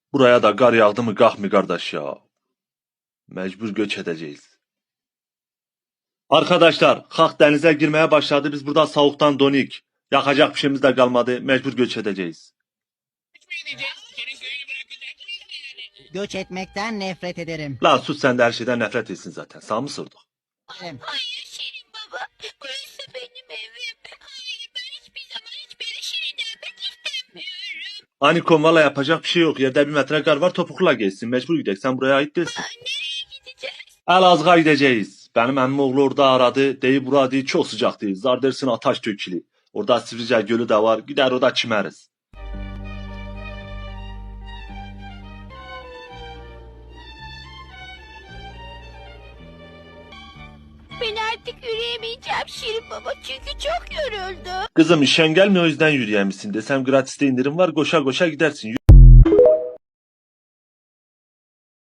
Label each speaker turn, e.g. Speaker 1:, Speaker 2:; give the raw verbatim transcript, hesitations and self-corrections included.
Speaker 1: Buraya da gar yağdı mı kalk kardeş ya. Mecbur göç edeceğiz. Arkadaşlar kalk denize girmeye başladı. Biz burada soğuktan donik. Yakacak bir şeyimiz de kalmadı. Mecbur göç edeceğiz.
Speaker 2: Göç etmekten nefret ederim.
Speaker 1: La sus sen de her şeyden nefret etsin zaten. Sağ mı sorduk?
Speaker 3: Hayır Şirin baba. Burası benim evim. Hayır ben hiçbir zaman hiçbir Şirin demek istemiyorum.
Speaker 1: Anikom valla yapacak bir şey yok. Yerde bir metre kar var topukla geçsin. Mecbur gidecek. Sen buraya ait değilsin.
Speaker 3: Nereye gideceğiz?
Speaker 1: Elazığ'a gideceğiz. Benim emmim oğlu orada aradı. Deyip bura değil çok sıcak değil. Zar dersin ataş dökülü. Orada Sivrice Gölü de var. Gider orada çimeriz.
Speaker 3: Ben artık yürüyemeyeceğim Şirin baba çünkü çok yoruldum.
Speaker 1: Kızım işen gelmiyor o yüzden yürüyemişsin. Desem gratiste indirim var koşa koşa gidersin.